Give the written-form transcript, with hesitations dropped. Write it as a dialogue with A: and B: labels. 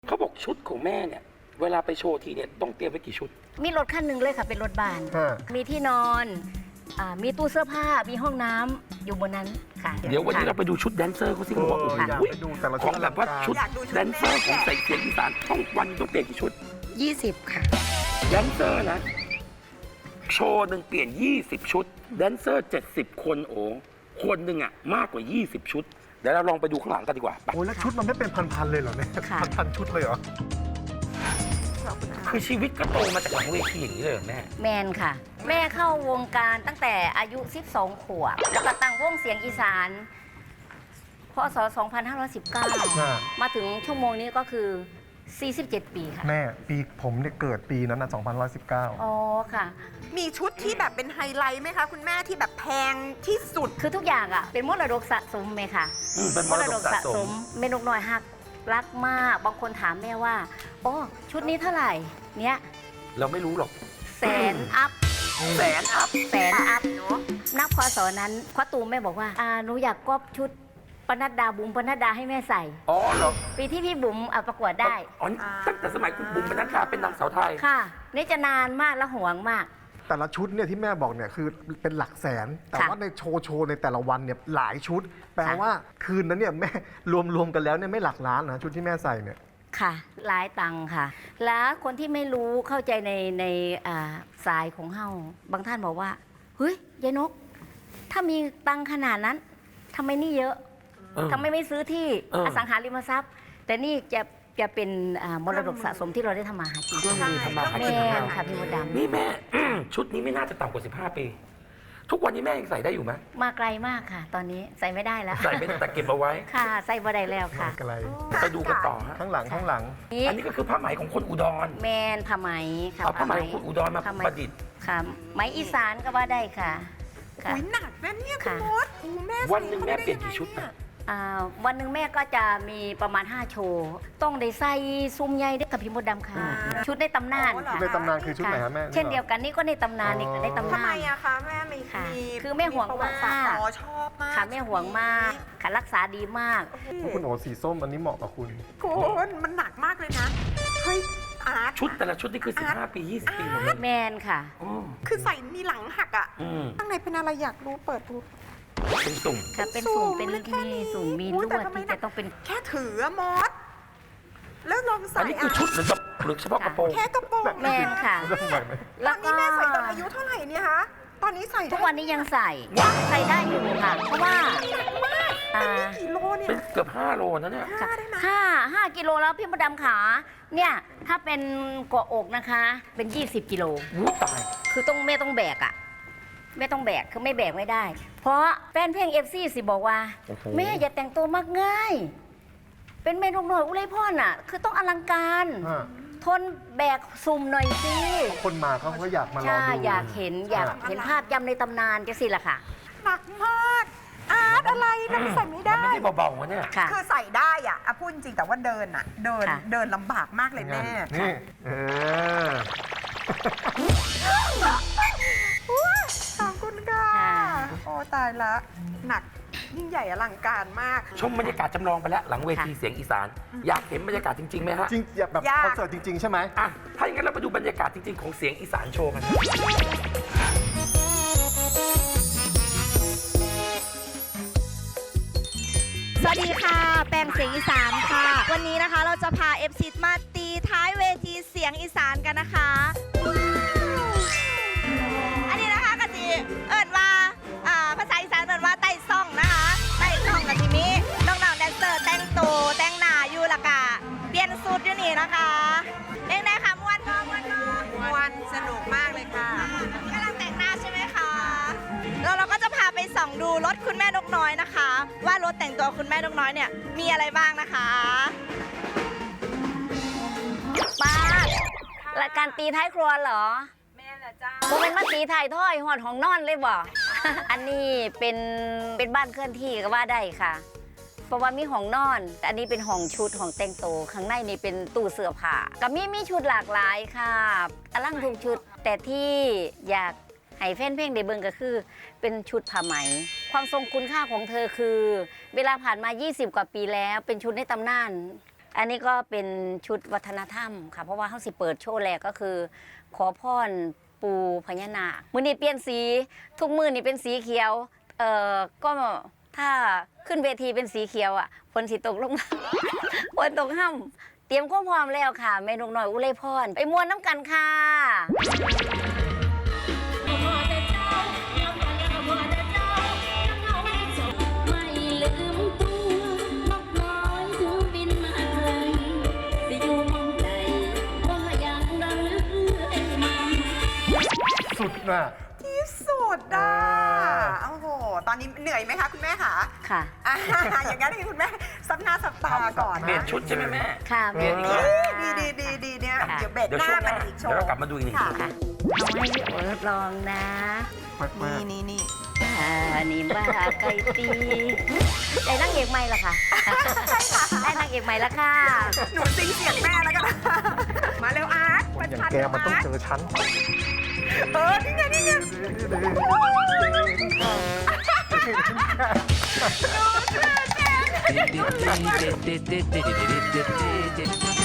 A: เขาบอกชุดของแม่เนี่ยเวลาไปโชว์ทีเนี่ยต้องเตรียมไว้กี่ชุด
B: มีรถคันหนึ่งเลยค่ะเป็นรถบ้าน มีที่นอนมีตู้เสื้อผ้ามีห้องน้ำอยู่บนนั้นค่ะ
A: เดี๋ยววันนี้เราไปดูชุดแดนเซอร์เขาสิเขาบอกโอ้โห
C: อยากไปดูแต่ละ
A: ข
C: ชุ
A: อ
C: ด
A: งแบบว่าชุดแดนเซอร์ของใส่เสียงอีสานต้องวันต้องเปลี่ยนกี่ชุด
B: 20 ค่ะ
A: แดนเซอร์นะโชว์หนึ่งเปลี่ยน20ชุดแดนเซอร์70คนโอ้คนหนึ่งอ่ะมากกว่า20ชุดเดี๋ยวเราลองไปดูข้างหลังกันดีกว่า
C: โอ้ยแล้วชุดมันไม่เป็นพันๆเลยเหรอเนี่ย
B: ค่ะ
C: พันชุดเลยเหรอ
A: คือชีวิตก็โตมาจากหลังเวทีอย่างนี้เลยเหรอแม่
B: แมนค่ะ แม่เข้าวงการตั้งแต่อายุ 12 ขวบ แล้วก็ตั้งวงเสียงอีสานพศ 2519 มาถึงชั่วโมงนี้ก็คือ 47 ปีค่ะ
C: แม่ปีผมเนี่ยเกิดปีนั้นนะ2119
B: อ๋อค่ะ
D: มีชุดที่แบบเป็นไฮไลท์ไหมคะคุณแม่ที่แบบแพงที่สุด
B: คือทุกอย่างอ่ะเป็นมรดกสะสมไหมค่ะ
A: เป็นมรดกสะสม
B: เมนกน้อยฮักรักมากบางคนถามแม่ว่าโอ้ชุดนี้เท่าไหร่เนี้ย
A: เราไม่รู้หรอก
B: แสนอัพ
A: แสนอัพ
B: แสนอัพนับพศนั้นพ่อตูมแม่บอกว่าหนูอยากก๊อปชุดปนัดดาบุ๋มปนัดดาให้แม่ใส่
A: อ๋อเหรอ
B: ปีที่พี่บุ๋มประกวดได้
A: อ๋อตั้งแต่สมัยคุณบุ๋มปนัดดาเป็นนางสาวไทย
B: ค่ะ นี่จะนานมากและห่วงมาก
C: แต่ละชุดเนี่ยที่แม่บอกเนี่ยคือเป็นหลักแสน แต่
B: ค่ะ
C: ว่าในโชว์ในแต่ละวันเนี่ยหลายชุด แปลว่าคืนนั้นเนี่ยแม่รวมกันแล้วเนี่ยไม่หลักล้านนะชุดที่แม่ใส่เนี่ย
B: ค่ะหลายตังค์ค่ะ แล้วคนที่ไม่รู้เข้าใจในสายของเฮาบางท่านบอกว่าเฮ้ยยายนก ถ้ามีตังค์ขนาดนั้นทำไมนี่เยอะ ทำไมไม่ซื้อที่อสังหาริมทรัพย์ แต่นี่จะเป็นมรดกสะสมที่เราได้ทำมาหากิน
A: เครื่องมือทำมาหากิน
B: แม่
A: ของเรา
B: ค่ะพี่มดดำ
A: นี่แม่ ชุดนี้ไม่น่าจะต่ำกว่า15 ปี ทุกวันนี้แม่ยังใส่ได้อยู่ไหม
B: มาไกลมากค่ะ ตอนนี้ใส่ไม่ได้แล้ว
A: ใส่ไม่ได้แต่เก็บเอาไว้
B: ค่ะ ใส่บ่ได้แล้วค่ะ
C: ไกล
A: ไปดูกันต่อฮะ
C: ข้างหลังข้างหลัง
A: อันนี้ก็คือผ้าไหมของคนอุดร
B: แมนผ้าไหมค่ะ
A: เอาผ้าไหมของคนอุดรมา
B: ผ้ไห
A: ประดิษฐ์
B: ค่ะไหมอีสานก็ว่าได้ค่ะค่ะ
D: อุ้ยหนักนะเนี่ยคุณ
B: ค่ะ
D: มดโอ้แม่
A: วันหนึ่งแม่เปลี่ยนกี่ชุดนะ
B: วันหนึ่งแม่ก็จะมีประมาณ 5 โชว์ ต้องได้ใส่ซุ้มใหญ่ได้กับพี่มดดำค่ะ ชุดในตำนานค่ะ
C: ในตำนานคือชุดไหนฮะแม่
B: เช่นเดียวกันนี่ก็ในตำนานนี่ก็ในตำ
D: ทำ
B: นา
D: ไม
B: น
D: อะคะแม่มี
B: ค่ะ
D: มี
B: คือแม่ห่วง
D: ประวัติศาสตร์
B: มาก
D: อ๋อชอบมาก
B: ค่ะแม่ห่วงมากค่ะรักษาดีมาก
C: คุณโอสีส้มอันนี้เหมาะกับคุณ
D: คุณมันหนักมากเลยนะเฮ้ยอาร์ต
A: ชุดแต่ละชุดนี่คือ15 ปี 20 ปีหมดเลย
B: แมนค่ะ
A: อืม
D: คือใส่มีหลังหักอะ
A: อืม
D: ข้างในเป็นอะไรอยากรู้เปิดดู
A: เป็นสุ่ม
B: ค่ะเป็นสุ่มเป็นที่สุ่มมีลวดที่จะต้องเป็น
D: แค่ถืออะมดแล้วลองใส่
A: อันนี้คือชุดหรือเฉพาะกระโปรง
D: แค่กระโปรง
B: แมนค่ะ
C: เรื่องใหม่ไหม
D: ต
B: แล้
D: อ
B: วน
D: นี้
B: ก็
D: แม่ใส่ตอนอายุเท่าไหร่เนี่ยคะตอนนี้ใส่
B: ทุ
D: ได้
B: กวันนี้ยังใส่ได้อยู่ค่ะ เพราะว่า
D: กี่โลเนี่ย
A: เป็นเกือบ5 โลนะเนี่ย
D: ห้าได้ไหม
B: ห้ากิโลแล้วพี่มดดำขาเนี่ยถ้าเป็นเกาะอกนะคะ เป็น 20 กิโล
A: วู้ตาย
B: คือแม่ต้องแบกอะแม่ต้องแบกคือไม่แบกไม่ได้ เพราะแฟนเพลง FC สิบอกว่า
A: โอ้โห
B: แม่อย่าแต่งตัวมากง่าย เป็นแม่นกน้อยอุไรพ่อน่ะ คือต้องอลังการ ทนแบกซุ่มหน่อยสิ
C: คนมาเขาก็อยากมารอ
B: ใช่
C: ดู
B: อยากเห็นภาพจำในตำนานจะสิล่ะค่ะ
D: หนักมากอาร์ตอะไรนะใส่ไม่
A: มัน
D: ได้
A: ไม่ได้เบาๆวะเนี่ย
B: ค่ะ
D: คือใส่ได้อะพูดจริงแต่ว่าเดิน
B: ค่ะ
D: เดินลำบากมากเลยแม่
C: นี่
D: ขอบคุณค่ะ โอ้ตายละหนักยิ่งใหญ่อลังการมาก
A: ชมบรรยากาศจำลองไปแล้วหลังเวทีเสียงอีสาน อยากเห็นบรรยากาศจริงๆไหมฮะ
C: จริงอยากแบบ
D: ยาก
C: คอนเสิร์ตจริง ๆ ใช่ไหม
A: อ่ะถ้าอย่างนั้นเราไปดูบรรยากาศจริงๆของเสียงอีสานโชว์กัน
E: สวัสดีค่ะ แปงเสียงอีสานค่ะ วันนี้นะคะเราจะพา FC มาตีท้ายเวทีเสียงอีสานกันนะคะ อันนี้นะคะกะจิเอิญว่าภาษาอีสานเอิญว่าไต่ซ่องนะคะไต่ซ่องกะจิมีน้องๆแดนเซอร์แต่งตัวแต่งหน้าอยู่ละกะเปลี่ยนสูตรอยู่นี่นะคะเล่นได้ค่ะมวนก็มวนก็
D: วันสนุกมากเลยค่ะ
E: กำลังแต่งหน้าใช่ไหมคะแล้วเราก็จะพาไปส่องดูรถคุณแม่นกน้อยนะคะ ว่ารถแต่งตัวคุณแม่นกน้อยเนี่ยมีอะไรบ้างนะคะ
B: ป้ารายการตีท้ายครัวเหรอ
D: แม่ละจ้า
B: โมเป็นมาตีถ่ายถ้อยหอดของนอนเลยบ่ อันนี้เป็นบ้านเคลื่อนที่ก็ว่าได้ค่ะ เพราะว่ามีห้องนอนแต่อันนี้เป็นห้องชุดห้องแต่งตัวข้างในนี่เป็นตู้เสื้อผ้าก็มีชุดหลากหลายค่ะอลังทุกชุด แต่ที่อยากให้แฟนเพลงได้เบิ่งก็คือ เป็นชุดผ้าไหม ความทรงคุณค่าของเธอคือ เวลาผ่านมา 20 กว่าปีแล้ว เป็นชุดในตำนานอันนี้ก็เป็นชุดวัฒนธรรมค่ะเพราะว่าเขาสิเปิดโชว์แรกก็คือ ขอพรปูพญานาคมื้อนี้เปลี่ยนสีทุกมื้อนี่เป็นสีเขียวก็ถ้าขึ้นเวทีเป็นสีเขียวอ่ะฝนสิตกลงมา ฝนตกห้ำเตรียมความพร้อมแล้วค่ะเมนูหน่อยอุไรพรไปมวนน้ำกันค่ะ
F: ไม่ลืมตัวนกน้อยถึงบินมาไกลสิอยู่มองใดก็ยังระลึกเรื่อยมา
C: สุดน่ะ
D: ที่สุดอ่ะโอ้โห ตอนนี้เหนื่อยไหมคะคุณแม่คะ
B: ค่ะ
D: อ่าอย่างนั้นให้คุณแม่ซับหน้าซับตาก่อน
A: เปลี่ยน
D: นะ
A: ชุดใช่ไหมแม่
B: ค่ะ
A: เปลี่ยนอีกแล้ว
D: ดีเนี่ย
B: ค่ะ
D: เดี๋ยวเบรก
A: เดี๋ยว
D: หน้า
A: ช่วงห
D: มั
A: น้าน
D: อีกโช
A: เดี๋ยวเรา
D: ว์
A: กลับมาดูอีกหนึ่ง
D: ค่ะ
A: ที
B: ค่ะเอาให้พี่โอทดลองนะ
C: มาก
D: นี่
B: นี่บ้าไก่ตีได้นางเอกใหม่ละค่ะ ได้นางเอกใหม่ละค่ะ
D: หนูซิงเสียงแม่แล้วกันมาเร็วอาร์ต
C: ๆ
D: ประ
C: อย่าง
D: ชัน
C: แกมันต้อง
D: อาร์ต
C: เจอฉัน
D: นี่ไง
G: Did